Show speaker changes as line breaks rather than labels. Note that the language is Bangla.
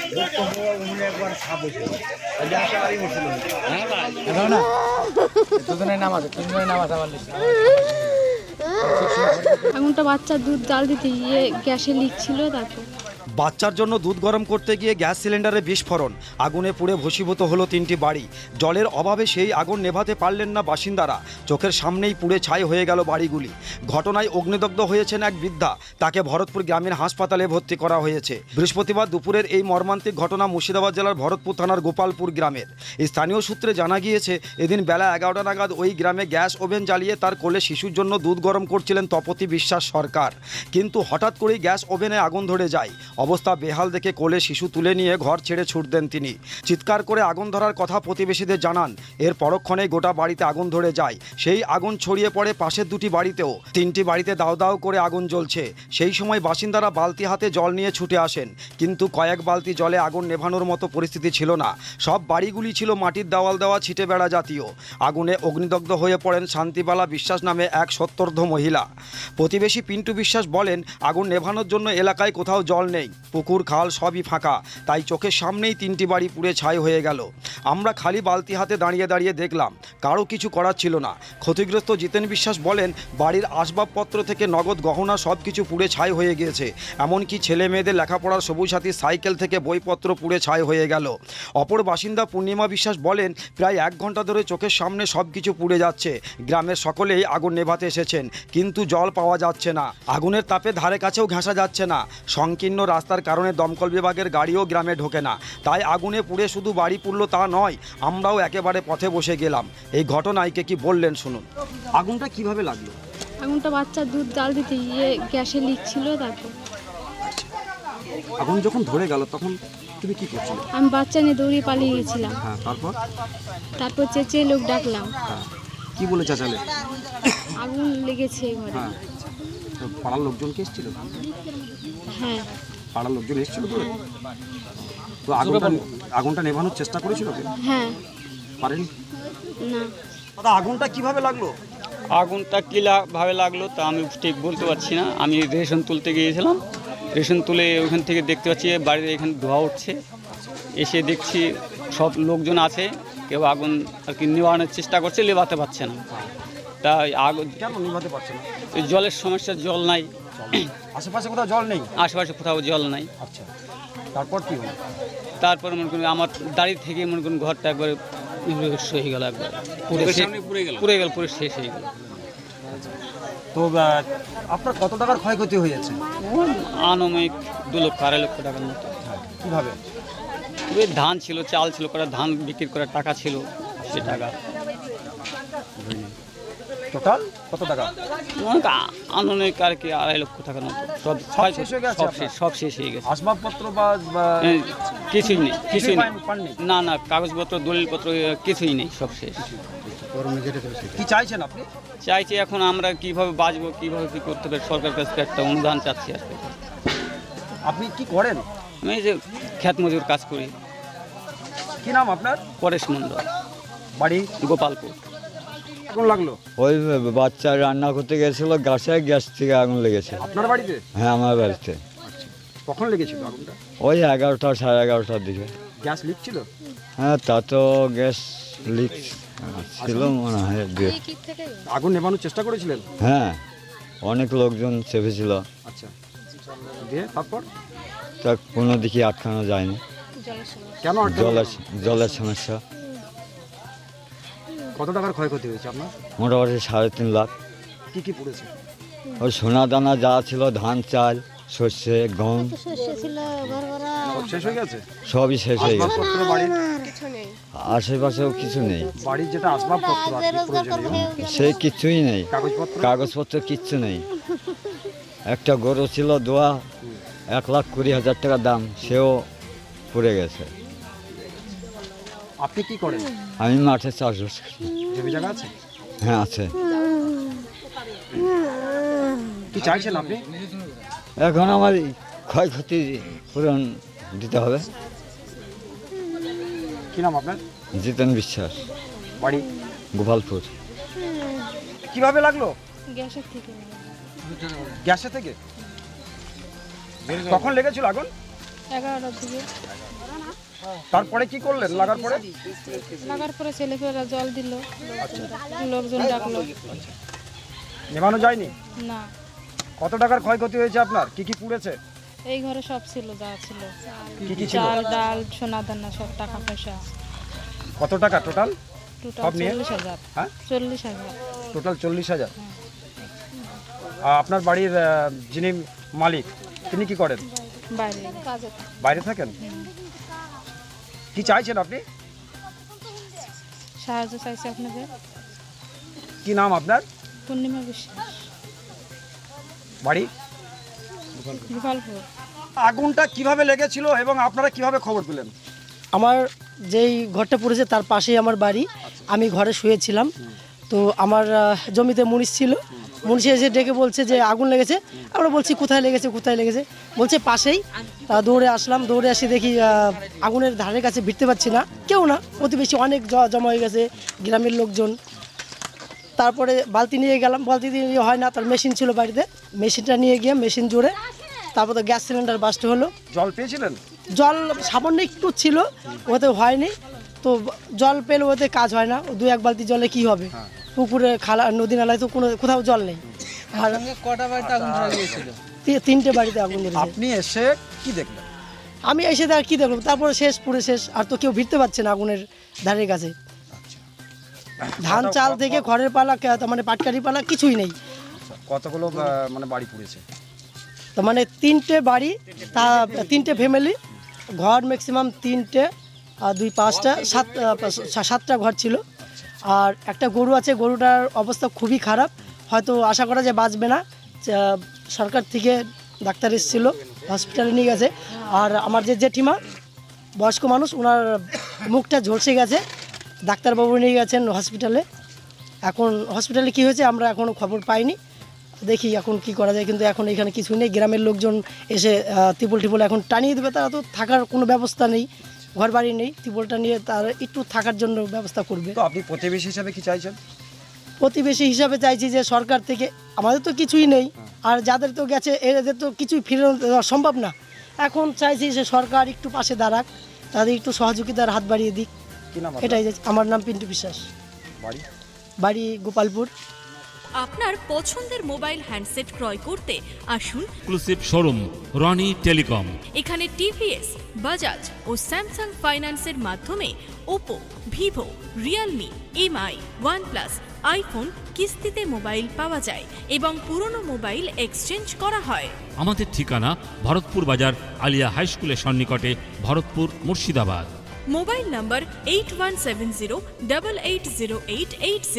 আগুনটা বাচ্চার দুধ জাল দিতে গিয়ে গ্যাসে লিক ছিল তারপর
বাচ্চার জন্য দুধ গরম করতে গিয়ে গ্যাস সিলিন্ডারে বিস্ফোরণ, আগুনে পুড়ে ভস্মীভূত হলো 3টি বাড়ি। জলের অভাবে সেই আগুন নেভাতে পারলেন না বাসিন্দারা, চোখের সামনেই পুড়ে ছাই হয়ে গেল বাড়িগুলি। ঘটনায় অগ্নিদগ্ধ হয়েছেন এক বৃদ্ধা, তাকে ভরতপুর গ্রামীণ হাসপাতালে ভর্তি করা হয়েছে। বৃহস্পতিবার দুপুরের এই মর্মান্তিক ঘটনা মুর্শিদাবাদ জেলার ভরতপুর থানার গোপালপুর গ্রামের। স্থানীয় সূত্রে জানা গিয়েছে, এদিন বেলা 11টা নাগাদ ওই গ্রামে গ্যাস ওভেন জ্বালিয়ে তার কোলে শিশুর জন্য দুধ গরম করছিলেন তপতি বিশ্বাস সরকার। কিন্তু হঠাৎ করেই গ্যাস ওভেনে আগুন ধরে যায়। অবস্থা বেহাল দেখে কোলে শিশু তুলে নিয়ে ঘর ছেড়ে ছুট দেন তিনি। চিৎকার করে আগুন ধরার কথা প্রতিবেশীদের জানান। এর পরক্ষণেই গোটা বাড়িতে আগুন ধরে যায়। সেই আগুন ছড়িয়ে পড়ে পাশের 2টি বাড়িতেও। 3টি বাড়িতে দাউ দাউ করে আগুন জ্বলছে। সেই সময় বাসিন্দারা বালতি হাতে জল নিয়ে ছুটে আসেন, কিন্তু কয়েক বালতি জলে আগুন নেভানোর মতো পরিস্থিতি ছিল না। সব বাড়িগুলি ছিল মাটির দেওয়াল দেওয়া ছিটে বেড়া জাতীয়। আগুনে অগ্নিদগ্ধ হয়ে পড়েন শান্তিবালা বিশ্বাস নামে এক সত্তর্ধ মহিলা। প্রতিবেশী পিন্টু বিশ্বাস বলেন, আগুন নেভানোর জন্য এলাকায় কোথাও জল নেই, পুকুর খাল সবই ফাঁকা, তাই চোখের সামনেই 3টি বাড়ি পুড়ে ছাই হয়ে গেল। আমরা খালি বালতি হাতে দাঁড়িয়ে দাঁড়িয়ে দেখলাম, কারো কিছু করার ছিল না। ক্ষতিগ্রস্ত জিতেন বিশ্বাস বলেন, বাড়ির আসবাবপত্র থেকে নগদ গহনা সব কিছু পুড়ে ছাই হয়ে গিয়েছে। এমনকি ছেলে মেয়েদের লেখাপড়ার সবুজ সাথী সাইকেল থেকে বইপত্র পুড়ে ছাই হয়ে গেল। অপর বাসিন্দা পূর্ণিমা বিশ্বাস বলেন, প্রায় 1 ঘন্টা ধরে চোখের সামনে সব কিছু পুড়ে যাচ্ছে। গ্রামের সকলেই আগুন নেভাতে এসেছেন, কিন্তু জল পাওয়া যাচ্ছে না। আগুনের তাপে ধারে কাছেও ঘেঁষা যাচ্ছে না। সংকীর্ণ রাস্তার কারণে দমকল বিভাগের গাড়িও গ্রামে ঢোকে না। তাই আগুনে পুড়ে শুধু বাড়ি পুড়ল তা নয়, আমরাও একেবারে পথে বসে গেলাম। এই ঘটনায় কে কি বললেন শুনুন। আগুনটা কিভাবে লাগলো?
আগুনটা বাচ্চার দুধ জাল দিতে গিয়ে গ্যাসে লিক ছিল তারপর
আগুন যখন ধরে গেল তখন তুমি কি করছিলে?
আমি বাচ্চা নিয়ে দৌড়িয়ে পালিয়ে গেছিলাম।
হ্যাঁ,
তারপর চেঁচিয়ে লোক ডাকলাম।
কি বলে চাচালে?
আগুন লেগেছে ঘরে।
পাড়ার লোকজন কি এসেছিল?
হ্যাঁ,
পাড়ার লোকজন এসেছিল তো? তো আগুনটা নেভানোর চেষ্টা করেছিল?
হ্যাঁ,
পারেনি
না।
দাদা, আগুনটা কিভাবে লাগলো?
আগুনটা কীভাবে লাগলো তা আমি ঠিক বলতে পারছি না। আমি রেশন তুলতে গিয়েছিলাম, রেশন তুলে ওখান থেকে দেখতে পাচ্ছি বাড়িতে এখানে ধোঁয়া উঠছে। এসে দেখছি সব লোকজন আছে, কেউ আগুন আর কি নেভানোর চেষ্টা করছে, নেভাতে পারছে না। তাই আগুন
কেন নিভাতে পারছে না?
জলের সমস্যা, জল নাই,
আশেপাশে কোথাও জল নেই?
আশেপাশে কোথাও জল নাই।
আচ্ছা, তারপর কি হলো?
তারপর মনে করুন আমার দাঁড়িয়ে থেকে মনে করুন ঘরটা একবারে হয়ে গেল, একবার পুড়ে গেল, পুরো শেষ হয়ে গেল।
তো আপনার কত টাকার ক্ষয়ক্ষতি হয়েছে?
আনুমানিক 2 লক্ষ 2.5 লক্ষ টাকার মতো।
কীভাবে?
ওই ধান ছিল, চাল ছিল, করা ধান বিক্রি করার টাকা ছিল, সে টাকা।
টোটাল কত টাকা?
আনুমানিক আর কি 2.5 লক্ষ টাকার মতো। সব শেষ হয়ে গেছে।
আসবাবপত্র বা
কিছুই নেই, কিছুই নেই।
পাননি?
না, কাগজপত্র দলিলপত্র কিছুই নেই, সব শেষ।
কি চাইছেন আপনি?
চাইছি এখন আমরা কিভাবে বাঁচবো, কিভাবে কি করতে পারি, সরকার কাছ থেকে একটা অনুদান চাচ্ছি আর কি।
আপনি কি করেন?
আমি এই যে ক্ষেত মজুর কাজ করি।
কি নাম আপনার?
পরেশ মণ্ডল,
বাড়ি
গোপালপুর।
আগুন লাগলো?
ওই বাচ্চা রান্না করতে গেছিল, গ্যাস থেকে আগুন লেগেছে।
আপনার বাড়িতে?
হ্যাঁ, আমার বাড়িতে।
কখন লেগেছিল আগুনটা?
ওই 11টা 11:30টার দিকে।
গ্যাস লিক ছিল?
হ্যাঁ, তা তো গ্যাস লিক ছিল মনে হয়।
আগুন নেভানোর চেষ্টা করেছিলেন?
হ্যাঁ, অনেক লোকজন চেপেছিল।
আচ্ছা, দিয়ে তারপর?
তা কোনো দিকে আটকানো যায়নি।
কেন?
জলের সমস্যা।
কত টাকার ক্ষয়ক্ষতি হয়েছে আপনার?
মোটামুটি 3.5 লাখ।
কি কি পড়েছে?
ওই সোনা দানা যা ছিল, ধান চাল সর্ষে গম
সব শেষ হয়ে গেছে?
সবই শেষ হয়ে গেছে।
আসবাবপত্র বাড়ির?
আশেপাশেও কিছু নেই।
বাড়ির যেটা আসবাবপত্র আর কি প্রয়োজনীয়,
সে কিছুই নেই,
কাগজপত্র
কিচ্ছু নেই। একটা গরু ছিল দোয়া, 1,20,000 টাকা দাম, সেও পড়ে গেছে।
আপনি কি করেন?
আমি মাঠে চাষবাস করি।
জমি জায়গা আছে?
হ্যাঁ, আছে।
কি চাইছেন আপনি?
এখন আমার ক্ষয়ক্ষতি পূরণ দিতে হবে।
কি নাম আপনার?
জিতেন বিশ্বাস,
বাড়ি?
গোপালপুর।
কিভাবে লাগলো?
গ্যাসের থেকে।
গ্যাসে থেকে? কখন লেগেছিল আগুন?
11টার দিকে
তারপরে কি করলেন লাগার পরে?
লাগার পরে ছেলেপেলেরা জল দিল, লোকজন ডাকলো।
নেভানো যায়নি?
না,
কত টাকার ক্ষয়ক্ষতি হয়েছে আপনার? কি কি পুড়েছে?
এই ঘরে সব ছিল, যা ছিল,
কি কি ছিল?
চাল ডাল সোনা দানা সব, টাকা পয়সা
কত টাকা টোটাল?
টোটাল
সব নিয়ে?
40,000।
হ্যাঁ,
40,000।
টোটাল 40,000। আপনার বাড়ির যিনি মালিক তিনি কি করেন?
বাইরে কাজে।
বাইরে থাকেন? কি চাইছেন আপনি?
সাহায্য চাইছে আপনাদের।
কি নাম আপনার?
পূর্ণিমা বিশ্বাস,
বাড়ি?
গোপালপুর।
আগুনটা কিভাবে লেগেছিল এবং আপনারা কিভাবে খবর পেলেন?
আমার যেই ঘরটা পড়েছে তার পাশেই আমার বাড়ি। আমি ঘরে শুয়েছিলাম, তো আমার জমিতে মুনিশ ছিল। মুনিশ এসে ডেকে বলছে যে আগুন লেগেছে। আমরা বলছি কোথায় লেগেছে, কোথায় লেগেছে? বলছে পাশেই। দৌড়ে আসলাম, দৌড়ে এসে দেখি আগুনের ধারের কাছে ভিড়তে পারছি না, কেউ না, প্রতিবেশী অনেক জমা হয়ে গেছে, গ্রামের লোকজন। তারপরে বালতি নিয়ে গেলাম, বালতি দিয়ে হয় না, তার মেশিন ছিল বাড়িতে, মেশিনটা নিয়ে গিয়ে মেশিন জুড়ে তারপর তো গ্যাস সিলিন্ডার বাস্ট হলো।
জল পেয়েছিলেন?
জল সামান্য একটু ছিল, ওতে হয়নি। তো জল পেলে ওতে কাজ হয় না, 2-1 বালতি জলে কি হবে? পুকুরে, খালা, নদী নালায় তো কোথাও জল নেই। আর
কটা বাড়িতে আগুন ধরে গিয়েছিল?
3টে বাড়িতে আগুন ধরেছে।
আপনি এসে কি দেখলেন?
আমি এসে আর কি দেখলাম, তারপরে শেষ, পুরো শেষ। আর তো কেউ ভিড়তে পারছে না আগুনের ধারের কাছে। ধান চাল থেকে খড়ের পালা, মানে পাটকারি পালা কিছুই নেই।
কতগুলো মানে বাড়ি পুড়েছে?
তো মানে 3টে বাড়ি, তা 3টে ফ্যামিলি, ঘর ম্যাক্সিমাম 3টে, আর 2-5টা 7টা ঘর ছিল। আর একটা গরু আছে, গরুটার অবস্থা খুবই খারাপ, হয়তো আশা করা যায় বাঁচবে না। সরকার থেকে ডাক্তার এসেছিল, হসপিটালে নিয়ে গেছে। আর আমার যে জেঠিমা, বয়স্ক মানুষ, ওনার মুখটা ঝলসে গেছে, ডাক্তারবাবু নিয়ে গেছেন হসপিটালে। এখন হসপিটালে কি হয়েছে আমরা এখনও খবর পাইনি, দেখি এখন কি করা যায়। কিন্তু এখন এখানে কিছুই নেই, গ্রামের লোকজন এসে ত্রিপল এখন টানিয়ে দেবে। তারা তো থাকার কোনো ব্যবস্থা নেই, ঘর বাড়ি নেই, ত্রিপলটা নিয়ে তারা একটু থাকার জন্য ব্যবস্থা করবে।
তো আপনি প্রতিবেশী হিসাবে কি চাইছেন?
প্রতিবেশী হিসাবে চাইছি যে সরকার থেকে, আমাদের তো কিছুই নেই, আর যাদের তো গেছে এদের তো কিছুই ফিরে দেওয়া সম্ভব না। এখন চাইছি যে সরকার একটু পাশে দাঁড়াক, তাদের একটু সহযোগিতার হাত বাড়িয়ে দিক,
কি নাম?
এটাই চাইছি। আমার নাম পিন্টু বিশ্বাস,
বাড়ি?
বাড়ি গোপালপুর।
আপনার পছন্দের মোবাইল হ্যান্ডসেট ক্রয় করতে আসুন
এক্সক্লুসিভ শোরুম রনি টেলিকম।
এখানে টিভিএস, বাজাজ ও স্যামসাং ফাইন্যান্সের মাধ্যমে Oppo, Vivo, Realme, Mi, OnePlus, iPhone কিস্তিতে মোবাইল পাওয়া যায় এবং পুরনো মোবাইল এক্সচেঞ্জ করা হয়।
আমাদের ঠিকানা ভরতপুর বাজার আলিয়া হাই স্কুলের সন্নিকটে, ভরতপুর, মুর্শিদাবাদ।
মোবাইল নম্বর 8170880880।